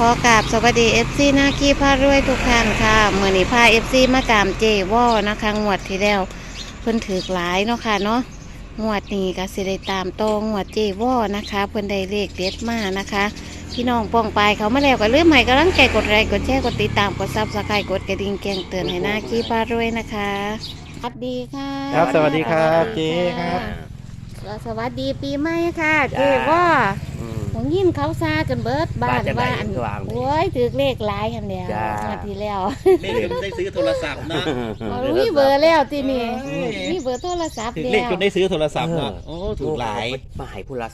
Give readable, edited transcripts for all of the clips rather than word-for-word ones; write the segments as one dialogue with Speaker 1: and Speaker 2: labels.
Speaker 1: อกราบสวัสดีหน้าขี้พารวยทุกท่านค่ะเมื่อนี้พามากามเจวอนะคะงวดที่แล้วเพิ่นถือหลายเนาะค่ะเนาะงวดนี้ก็สิได้ตามโตงวดเจวอนะคะเพิ่นได้เลขเด็ดมานะคะพี่น้องป้องปลายเขามาแล้วก็เลื่อมใหม่กำลังใจกดไลค์กดแชร์กดติดตามกดซับสไครต์กดกระดิ่งแจ้งเตือนให้หน้าขี้พารวยนะคะสวัสดีค่ะ
Speaker 2: ครับสวัสดีครับเจ๊ครับ
Speaker 1: สวัสดีปีใหม่ค่ะเจวอ ผมยินเขาซาจนเบิดบ้านว่าอันโอ้ยถือเลขหลายกันแล้วมาทีแล้ว
Speaker 3: ไม่จนได้ซื้อโทรศัพท์นะ
Speaker 1: มีเบอร์แล้วที่นี่มีเบอร์โทรศัพท์
Speaker 3: ถึง
Speaker 1: แล้ว
Speaker 3: เลขจนได้ซื้อโทรศัพท์นะโอ้ถูกหลาย
Speaker 4: มาให้ผู้ละ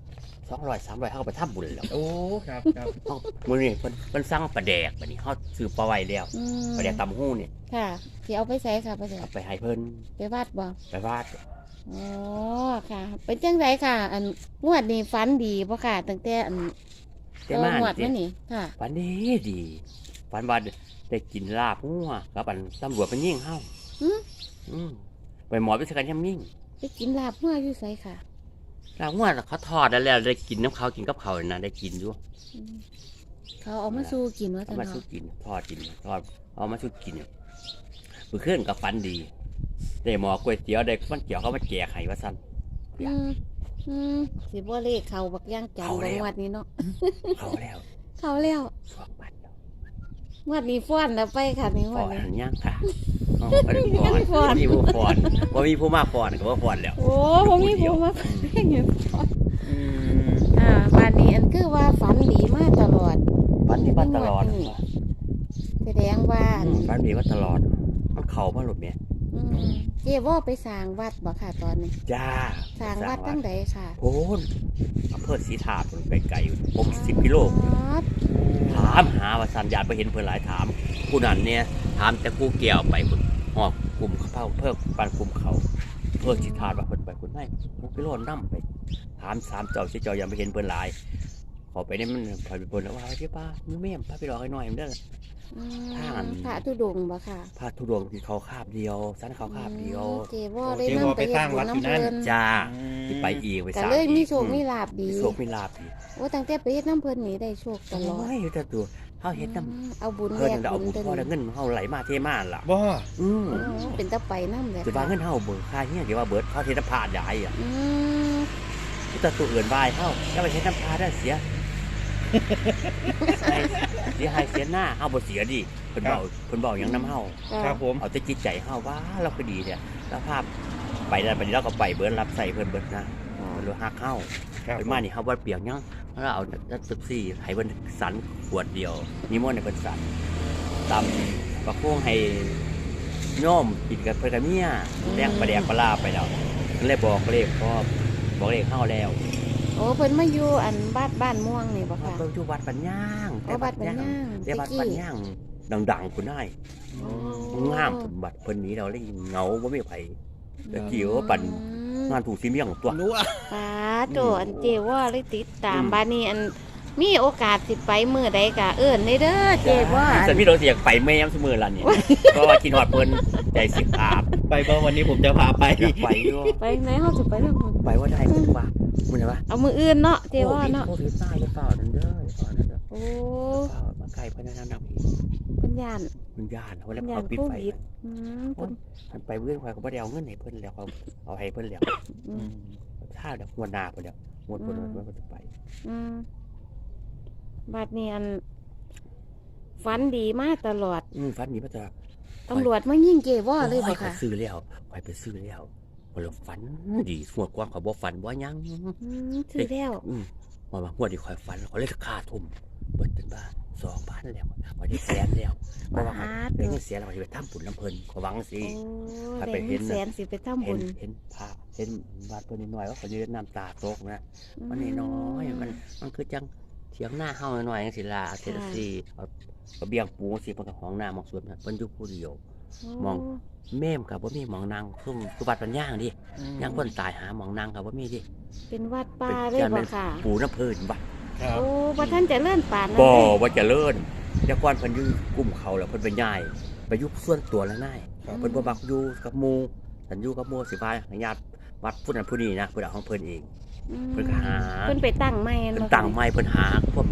Speaker 4: 200-300เข้าไปทำบุญแล้ว
Speaker 3: โอ้ครับครับ
Speaker 4: มื้อนี้เพิ่นสั่งปลาแดกบัดนี้เฮาซื้อปลาไว้แล้ว
Speaker 1: อืม
Speaker 4: ปลาแดกตำหู้นี่
Speaker 1: ค่ะที่เอาไปใส่ค่ะไปใส่
Speaker 4: เอาไปให้เพิ่น
Speaker 1: ไปวาดบ่
Speaker 4: ไปวาด
Speaker 1: อ๋อค่ะ เป็นจังไรค่ะ อันงวดนี้ฝันดีบ่ค่ะตั้งแต่อัน
Speaker 4: แต่มาง
Speaker 1: วดมานี่ค่ะ
Speaker 4: ฝันดีฝันว่าได้กินลาบงัวกับอันตำรวจมันยิงเฮา
Speaker 1: หืม
Speaker 4: อืมไปหมอไปสกันย่ำยิง
Speaker 1: ไปกินลาบเมื่ออยู่ไสค่ะ
Speaker 4: ลาบงัวเขาทอดแล้วได้กินน้ำเขากินกับเขาน่ะได้กินอยู่
Speaker 1: อืมเขาเอามาสู้กินว่า
Speaker 4: เอา
Speaker 1: ซั่น
Speaker 4: มาสู้
Speaker 1: เนาะ
Speaker 4: กินทอดเอามาสู้กินมื้อคืนก็ฝันดีได้หมอก๋วยเตี๋ยวได้มันเกี่ยวเขามาแจกให้ว่าซั่น
Speaker 1: อืมอืมสิบ่เลขเขาบักย่างจัง
Speaker 4: เขา
Speaker 1: บ่
Speaker 4: แล้ว
Speaker 1: งวดนี้เนาะ
Speaker 4: เขาแล้ว
Speaker 1: เขาแล้ว
Speaker 4: สวกบัตรแล้ว
Speaker 1: งวดนี้ฟ้อนแล้วไปค่ะนี่ง
Speaker 4: ฟ
Speaker 1: ว
Speaker 4: อ
Speaker 1: ด
Speaker 4: น
Speaker 1: นี้
Speaker 4: หันย่างค่ะบ่ได้ฟอน
Speaker 1: ฟ้อน
Speaker 4: บ่มีผู้ฟอนบ่มีผู้มาฟอนก็ว่าฟอนแล้ว
Speaker 1: โอ้ผมมีผมมาเพ่งอยู่ฟ้อน
Speaker 4: อืม
Speaker 1: บ้านนี้อันคือว่าฝันดีมาตลอด
Speaker 4: ฝันดีมาตลอด
Speaker 1: แสดงว่าอัน
Speaker 4: ฝันดีมาตลอดมันเข้ามาหลบเนี่ย
Speaker 1: อืมเจ๊ว่าไปสร้างวัดบ่ค่ะตอนนี้
Speaker 4: จ้า
Speaker 1: สร้างวัดตั้งใดค่ะ
Speaker 4: โพนอำเภอศรีธาตุไกลๆ60 กิโล
Speaker 1: ครับ
Speaker 4: ถามหาว่าสัญญาณไปเห็นเพิ่นหลายถามผู้นั้นเนี่ยถามแต่กูเกี่ยวไปพุ่นหอบกลุ่มเขาเพิ่มปันกลุ่มเขาเพื่อศรีธาตุว่าเพิ่นไปพุ่นให้6 กิโลนำไปถาม3เจ้าสิเจ้ายังไปเห็นเพิ่นหลายขอไปนี่มันถอยไปเพิ่นว่าพี่ป้ามึงแม่มพาไปรอให้หน่อยมันเด้อ
Speaker 1: อืม
Speaker 4: ทาง
Speaker 1: พระธุดงค์บ่ค่ะ
Speaker 4: พาทุดงค์ที่เขาคาบเดียวสันเขาคาบเดียว
Speaker 1: เจ๊ว่าได้นำไปเฮ็ดบุญน้ำเพลิน
Speaker 4: จ้าที่ไปอีกไป
Speaker 1: ก็
Speaker 4: สาม
Speaker 1: เลยมี
Speaker 4: อีก
Speaker 1: โชคมีลาบดี
Speaker 4: มีโชคมีลาบดี
Speaker 1: โอ้ตั้งแต่ไปเฮ็ดน้ำเพลินนี่ได้โชคตลอด
Speaker 4: โอ้ยแต่ตัวเขาเห็นน้
Speaker 1: เอาบุญ
Speaker 4: ำ
Speaker 1: แล
Speaker 4: เพิ่น
Speaker 1: ก
Speaker 4: น่ะเอา
Speaker 1: บุ
Speaker 4: บุ
Speaker 1: ญ
Speaker 4: ญ
Speaker 1: ตัว
Speaker 4: พอแล้ว
Speaker 1: นี้
Speaker 4: เงินเขาไหลมาเทมาล่ะ
Speaker 3: บ่
Speaker 4: อืม
Speaker 1: เป็นตะไปน้ำเลย
Speaker 4: จะว่าเงินเฮาเบิกค่าเฮียเดี๋ยวว่าเบิดเขาเทน้ำพาใหญ่อ่ะ
Speaker 1: อืม
Speaker 4: แต่ตัวอื่นบายเฮาแล้วไปเทน้ำพาได้เสียเสียหายเสียหน้าเฮาบ่เสียดิเพิ่นเบาอย่างน้ำเฮา
Speaker 3: ครับผม
Speaker 4: เอาแต่จิตใจเฮาว่าเราก็ดีเนี่ยแล้วภาพไปได้ไปนี่เราก็ไปเบิดรับใส่เพิ่นเบิดนะเพิ่นรู้ฮักเฮา
Speaker 3: ครับ
Speaker 4: ไปมานี่เฮาบ่เปียกหยังแล้วเอาจักตึกซี่ให้เพิ่นสันขวดเดียวนิมนต์ให้เพิ่นสันตำประโคงให้โยมกินกับเพิ่นกับเมียแดงประแดกปลาร้าไปแล้วก็เลยบอกเลขพ่อบอกเลขเฮาแล้ว
Speaker 1: โอ้เพิ่นมาอยู่อันบ้านม่วงนี่บ่ค่ะ
Speaker 4: เพิ่นอยู่วัดปัญญาง
Speaker 1: โอ้วัดปัญญาง
Speaker 4: แต่วัดปัญญางดังๆพุ่นได้งามพุ่นบัดเพิ่นหนีเราเลยเหงาบ่มีไผตะกี้ว่าปั่นงานถูกสิเมียงตัว
Speaker 3: รู้อ่ะ
Speaker 1: ป้าโตอันเจว่าเลยติดตามบ้านนี้อันมีโอกาสสิไปมื้อใดก็เอิ้นได้เด้อเจว่าอัน
Speaker 4: ฉันพี่เราเสียกไปแม่ยำเสมอล่ะนี่ เพราะว่ากินหอดเพิ่นใจสิอาบ
Speaker 3: ไปบ่วันนี้ผมจะพาไป
Speaker 4: อยากไปอยู่
Speaker 1: ไปไหนเฮาสิไปนำเพิ่น
Speaker 4: ไปว่าได้มึงว่ามึงจะว่า
Speaker 1: เอามื้ออื่นเนาะเจว่าเนาะ
Speaker 4: โควิดตายจะเปล่านั่นเด้อเปล่านั่นเด้อ
Speaker 1: โอ้
Speaker 4: เปล่ามาไกลเพิ่นนั่นนำอีก
Speaker 1: เพิ่นย่าน
Speaker 4: มันย่านเขาแล้ว
Speaker 1: ย่า
Speaker 4: เขา
Speaker 1: น
Speaker 4: ปิด
Speaker 1: โค
Speaker 4: ไฟ
Speaker 1: วิดอืม
Speaker 4: โอ้
Speaker 1: เพิ่น
Speaker 4: ยมันไปเพื่อนควายก็บ่ได้เอาเงินให้เพิ่นแล้วเขาเอาให้เพิ่นแล้ว
Speaker 1: อืม
Speaker 4: ถ้าเดี๋ยวงวดหน้าเพิ่นแล้วงวดเพิ่นมันจะไป
Speaker 1: อืมบัดนี้อันฝันดีมาตลอด
Speaker 4: ฟันนี้มันจะ
Speaker 1: ตำรวจมายิงเจว่าเลยบ่
Speaker 4: ไป
Speaker 1: ค่ะ
Speaker 4: ซื้อแล้วไปซื้อแล้วพอเราฝันดีงวดกว้างเขาบ่ฝันบ่ยัง
Speaker 1: อืมซื้อแล้ว
Speaker 4: ว่างวดที่คอยฝันเขาเลยค่าทุ่มเบิดเป็นบ้า2,000แล้วพอได้แสนแล้วเพราะว่าได้เงินแสนแล้วเขาจะไปทำบุญน้ำเพิ่นเขาหวังสิ
Speaker 1: โอ้
Speaker 4: ถ้า
Speaker 1: ได้
Speaker 4: ไปเห็
Speaker 1: เงิ
Speaker 4: น
Speaker 1: นแสนสิไปทำ
Speaker 4: เห็
Speaker 1: บุ
Speaker 4: น
Speaker 1: ญ
Speaker 4: เห็นพระเห็นบาดเพิ่นนิดหน่อยว่าเขายืนน้ำตาตกนะมันน้อยๆมันคือจังเถียงหน้าเฮาหน่อยจังซี่ล่ะเทศซี่เอากระเบียงปูสิเพิ่นก็ห้องน้ามองสวนเพิ่นอยู่ผู้เดียว มอง แม่มกับบ่มีหมองนางซุ่มสุบัดปัญญางดิยังคนตายหาหมองนางกับบ่มีดิ
Speaker 1: เป็นวัดป่าเลยบ่ค่ะ
Speaker 4: ปูน้ำเพิ่นบัด
Speaker 3: ครับ
Speaker 1: โอ้บ่ท่านจะเลื่อนป่านนั้น
Speaker 4: บ่
Speaker 1: เลย
Speaker 4: ว่าเจะเลิศแต่ก่อนเพิ่นอยู่กลุ่มเขาแล้วเพิ่นไปย้ายไปอยู่ส่วนตัวแล้วนายเพิ่นบ่มักอยู่กับหมู่ฉันอยู่กับหมู่สิพาญาติวัดผู้นั้นผู้นี้นะเพิ่นเอาของเพิ่นเอง
Speaker 1: อืม
Speaker 4: เพิ่นก็หา
Speaker 1: เพิ่นไปตั้งไม้
Speaker 4: เพิ่น
Speaker 1: บ่
Speaker 4: ตั้งไม้เพิ่นหาพวก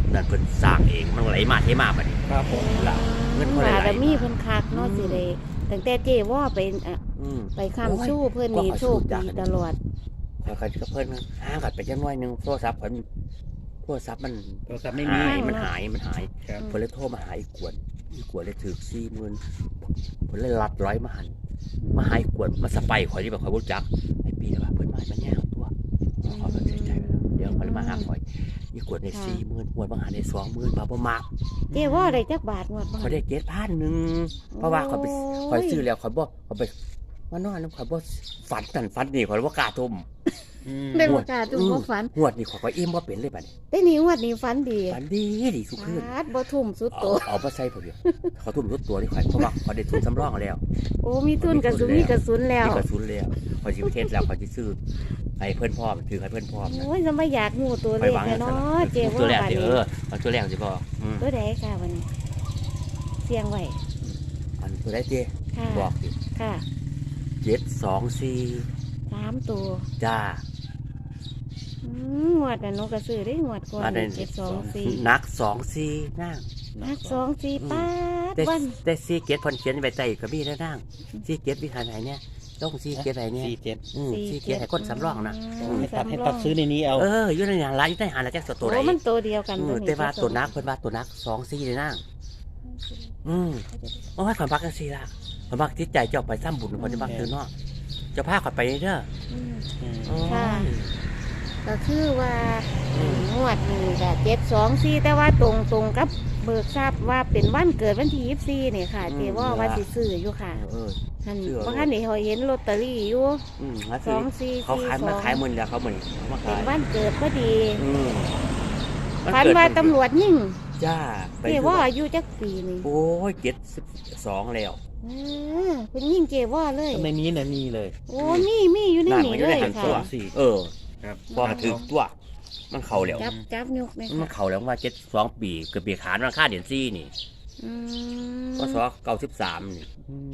Speaker 4: นั่นเพิ่นสร้างเองมันไหลมาเทมาบัดนี้
Speaker 3: ครับผม
Speaker 4: ล่ะเงินเพิ่นไหล
Speaker 1: บารมี
Speaker 4: มา
Speaker 1: เพิ่นคักเนาะสิได้ตั้งแต่เจว่าไปไปค้ำชู้เพิ่นนี่โชคดีตลอด
Speaker 4: ค่อยๆก็เพิ่นห่างกันไปจังน้อยนึงโทรศัพท์เพิ่นโทรศัพท์มัน
Speaker 3: โทรศัพท์ไม่มี
Speaker 4: หายมันหาย
Speaker 3: ครับ
Speaker 4: เพิ่นเลยโทรมาหาอีกวนเลยถือ40,000เพิ่นเลยรัดร้อยมาหันมาหาอีกวนมาสไปข่อยที่แบบข่อยบ่รู้จักไอ้ปีแล้วว่าเพิ่นมามันย่างตัวเขาก็เสียใจไปแล้วเดี๋ยวเพิ่นมาหาข่อยอีกวนได้40,000หวนมาหาได้20,000บาทบ่มัก
Speaker 1: เจว่าได้จักบาทงวดบ่
Speaker 4: ข่อยได้7,000นึงเพราะว่าข่อยซื้อแล้วข่อยไปมานอนนำข่อยบ่ฝันนั่นฝันนี่ข่อยบ่กล้าทุ่ม
Speaker 1: ได้บ่กล้าตุ้มบ่ฝัน
Speaker 4: งวดนี้ข่อยก็อิ่มบ่เป็นเลยบัดนี้
Speaker 1: ได้นี่งวดนี้ฝันดี
Speaker 4: ฝันดีสุขคืน
Speaker 1: ฟาดบ่ทุ่มสุดโต
Speaker 4: เอามาใส่ผมเดียวเขาทุ่มทุกตัวนี่ข่อยเพราะว่าเขาได้ทุนสำรองแล้ว
Speaker 1: โอ้มีทุนกระสุนมีกระสุนแล้ว
Speaker 4: มีกระสุนแล้วข่อยสิประเทศแล้วข่อยสิซื้อให้เพิ่นพร้อมถือให้เพิ่นพร้อมนะ
Speaker 1: โอ้ยจะมาอยากงูตัว
Speaker 4: ไป
Speaker 1: เล็ก
Speaker 4: วาง
Speaker 1: เนาะเจ
Speaker 4: ตัว
Speaker 1: ว่า
Speaker 4: แรก
Speaker 1: บาด
Speaker 4: สิ
Speaker 1: นี้
Speaker 4: มันตัวแรกสิบอก
Speaker 1: ตัวใดค่ะวันนี้เสียงไว้
Speaker 4: อันตัวได้เจ้
Speaker 1: ค่ะ
Speaker 4: บอกดิ
Speaker 1: ค่ะ
Speaker 4: 724
Speaker 1: 3ตัว
Speaker 4: จ้าง
Speaker 1: วดน่ะหนูก็ซื้อได้งวดก่อน
Speaker 4: มาได้
Speaker 1: 724
Speaker 4: นัก24นั่ง
Speaker 1: นัก24ป้าด
Speaker 4: ได้
Speaker 1: วัน
Speaker 4: ได้4เกตเพิ่นเขียนไว้ใต้กระบี่แล้วนั่ง4เกตวิหารไหนเนี่ยต้อง4เกตไหนเนี่ย
Speaker 3: 47
Speaker 4: 4เกตให้คนสำรองนะ
Speaker 3: ให้ตัดซื้อในนี้เอา
Speaker 4: อยู่ในร้านอยู่ในหาแล้วจักตัวไหน
Speaker 1: โอ้มันตัวเดียวกัน
Speaker 4: แต่ว่าตัวนักเพิ่นว่าตัวนัก2-4เลยนั่งโอ้ยข่อยมักจังซี่ล่ะข่อยมักจิตใจเจ้าไปซ้ำบุญข่อยจะมักคือเนาะเจ้าพาข่อยไปเด้อ
Speaker 1: ค่ะ ก็คือว่างวดนี้ก็724แต่ว่าตรงกับเบิกทราบว่าเป็นวันเกิดวันที่24นี่ค่ะเจว่าสิซื้ออยู่ค่ะ ท่านเพราะท่านนี่เขาเห็นลอตเตอรี่อยู่
Speaker 4: แล้ว
Speaker 1: สองสี่
Speaker 4: เขาขายมา
Speaker 1: 4
Speaker 4: ขายมื้อแล้วเขามื้อนี้มา
Speaker 1: เป็
Speaker 4: ขาน ย
Speaker 1: วันเกิดพอดี
Speaker 4: มั
Speaker 1: พัน
Speaker 4: เกิด
Speaker 1: ว่าตำรวจยิ่ง
Speaker 4: จ้าไป
Speaker 1: เจว่าอายุจักปีนี่
Speaker 4: โอ้ย72แล้ว
Speaker 1: เป็นยิ่งเจว่าเลย
Speaker 3: ก็ในนี้นะมีเลย
Speaker 1: โอ้มีอยู่ในนี้เลยค่ะ
Speaker 3: ตัวสี่ ครับ
Speaker 4: พอถึงตัวมันเข้าแล้ว
Speaker 1: จับยกเลย
Speaker 4: มัน
Speaker 1: ค่ะ
Speaker 4: เข้าแล้วว่า72ปีเกือบปีขานมันค่าเดือน4นี่
Speaker 1: อืม
Speaker 4: พศ93นี่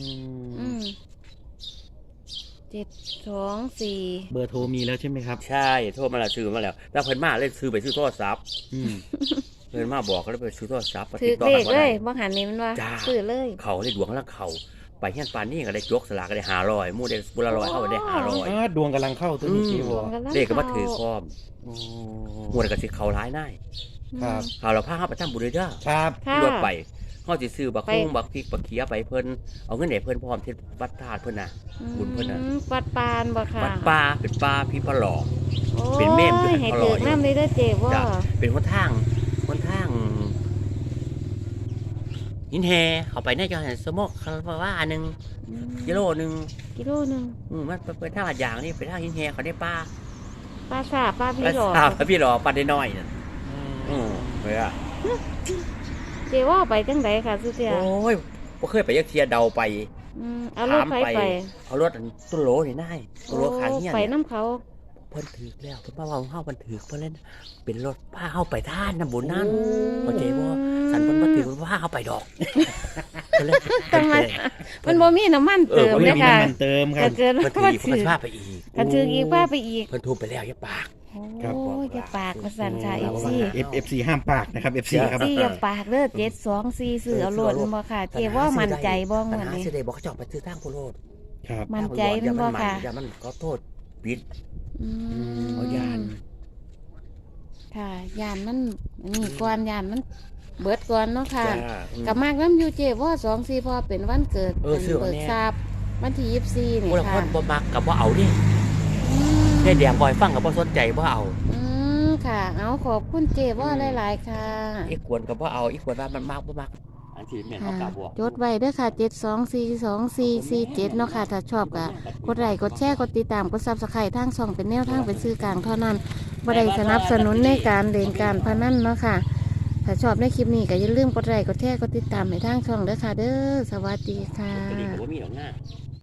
Speaker 1: 724
Speaker 3: เบอร์โทรมีแล้วใช่ไหมครับ
Speaker 4: ใช่โทรมาแล้วซื้อมาแล้วแล้วเพิ่นมาเลยซื้อไปซื้อโทรศัพท์
Speaker 3: อืม
Speaker 4: เพิ่นมาบอกก็เลยไปซื้อโทรศัพท์
Speaker 1: ถือเลขเลยบ่หันนี่มันว่า
Speaker 4: จ้า
Speaker 1: ซื้อเลย
Speaker 4: เขาเลยดวงแล้วเขาไปเฮียนปานนี่ก็ได้ยกสลากก็ได้500หมู่ได้บุละ100เข้าไปได้500
Speaker 3: ดวงกำลังเข้าตัวนี้จีวอ
Speaker 4: เลขก็มาถือพร้อมหมดก็สิเขาร้ายได้
Speaker 3: ครับ
Speaker 4: ข่าวเราพาเฮาไปทำบุญเด้อ
Speaker 3: ครับ
Speaker 1: ค่ะ
Speaker 4: รถไปเฮาสิซื้อบัก
Speaker 1: ไป
Speaker 4: คุ้งบักพริกบักเขียไปเพิ่นเอาเงินให้เพิ่นพร้อมที่วัดธาตุเพิ่นน่ะ บุญเพิ่นน่ะ
Speaker 1: วัดปานบ่ค่ะ
Speaker 4: วัดป่าเป็นป่าพี่พระหลอก
Speaker 1: โอ้ย
Speaker 4: เป็นเมมด้วย
Speaker 1: ให้
Speaker 4: เขา
Speaker 1: ถื
Speaker 4: รอ
Speaker 1: อ
Speaker 4: อยู่
Speaker 1: น้ำเลยเด้อเจ๊ว่า
Speaker 4: จ้ะเป็นคนทางหินแฮเขาไปในจังหวัดสมกคาราว่าหนึ่งกิโลหนึ่ง
Speaker 1: กิโลหนึง
Speaker 4: มันเป็นทางอัดยางนี่เป็นทางหินแฮเขาได้ป้า
Speaker 1: ปลาสาปลาพี่หลอก
Speaker 4: พี่หลอปลาได้น้อยนั่นเว้ย
Speaker 1: เจ๊ว่าไปจังไดค่ะสุเตีย
Speaker 4: โอ้ยบ่เคยไปยักเทียเดาไป
Speaker 1: เอารถไฟไป
Speaker 4: เอารถตุโลนี่นายตุโลขางเฮียน
Speaker 1: ไปน้ำเขา
Speaker 4: เพิ่นถือแล้วเพิ่นมาว่าเฮาเพิ่นถือเพิ่นเล่นเป็นรถพาเฮาไปท่านน้ำบุญนั่นเข้าใจบ่สันเพิ่นบ่ถือเพิ่นพาเฮาไปดอกเพิ่นเลย
Speaker 1: ทำไมมันบ่มีน้ำมันเติม
Speaker 3: ไม่
Speaker 1: เลย
Speaker 3: มี
Speaker 1: ค่ะ
Speaker 3: น้ำมันเติมครั
Speaker 1: ก็
Speaker 3: บ
Speaker 1: เกิน
Speaker 4: เพิ่นถื
Speaker 1: ว่า
Speaker 4: อเพิ่นก็พาไปอีก
Speaker 1: ก็ถืออีกว่าไปอีก
Speaker 4: เพิ่นทุบไปแล้วอย่าปาก
Speaker 3: ครับ
Speaker 1: โอ้ยอย่าปากมาสั่นค่ะ
Speaker 4: ครับ
Speaker 3: FC ห้ามปากนะครับ FC ครับ
Speaker 1: ซี่อย่าปากเด้อ724ซื้อเอาโลดบ่ค่ะเจ๊ว่ามั่นใจบ่
Speaker 4: ปัญ
Speaker 1: งวด
Speaker 4: หา
Speaker 1: นี้
Speaker 4: สิได้บอกเขาเจ้าไปซื้อทางโพโลด
Speaker 3: ครับ
Speaker 1: มั่นใจมันบ่ค่ะ
Speaker 4: อย่ามันขอโทษปิด
Speaker 1: อืม
Speaker 4: เอายาน
Speaker 1: ค่ะยานมันนี่ก่อนยานมันเบิดก่อนเนาะค่ะ
Speaker 4: จ้า
Speaker 1: กับมากน้ำยูเจว่า24พอเป็นวันเกิด
Speaker 4: ซื้อ
Speaker 1: เบิ
Speaker 4: วัน
Speaker 1: ก
Speaker 4: นี้
Speaker 1: ทราบวันที่24นี่
Speaker 4: ผู้ละค
Speaker 1: ค่ะ
Speaker 4: นบ่มักกับบ่เอาดิ
Speaker 1: อืม
Speaker 4: แค่แดงบ่อยฟังกับบ่สนใจบ่เอา
Speaker 1: ค่ะ เอาขอบคุณเจว่าหลายๆค่ะ
Speaker 4: อีกควรกับบ่เอาอีกควรว่ามันมักบ่มักอันที่แม่นเอา
Speaker 1: ค่ะ
Speaker 4: กาบ่
Speaker 1: จดไว้เด้วยค่ะ7242447เนาะค่ะถ้าชอบก็กดไลค์กดแชร์กดติดตามกด Subscribe ทางช่องเป็นแนวทางเป็นสื่อกลางเท่านั้นบ่ได้สนับสนุนในการเล่นการพนันเนาะค่ะ ถ้าชอบในคลิปนี้ก็อย่าลืมกดไลค์กดแชร์กดติดตามให้ทางช่องเด้อค่ะเด้อสวัสดีค่ะ
Speaker 4: ตัวนี้ก็บ่มีดอกหน้า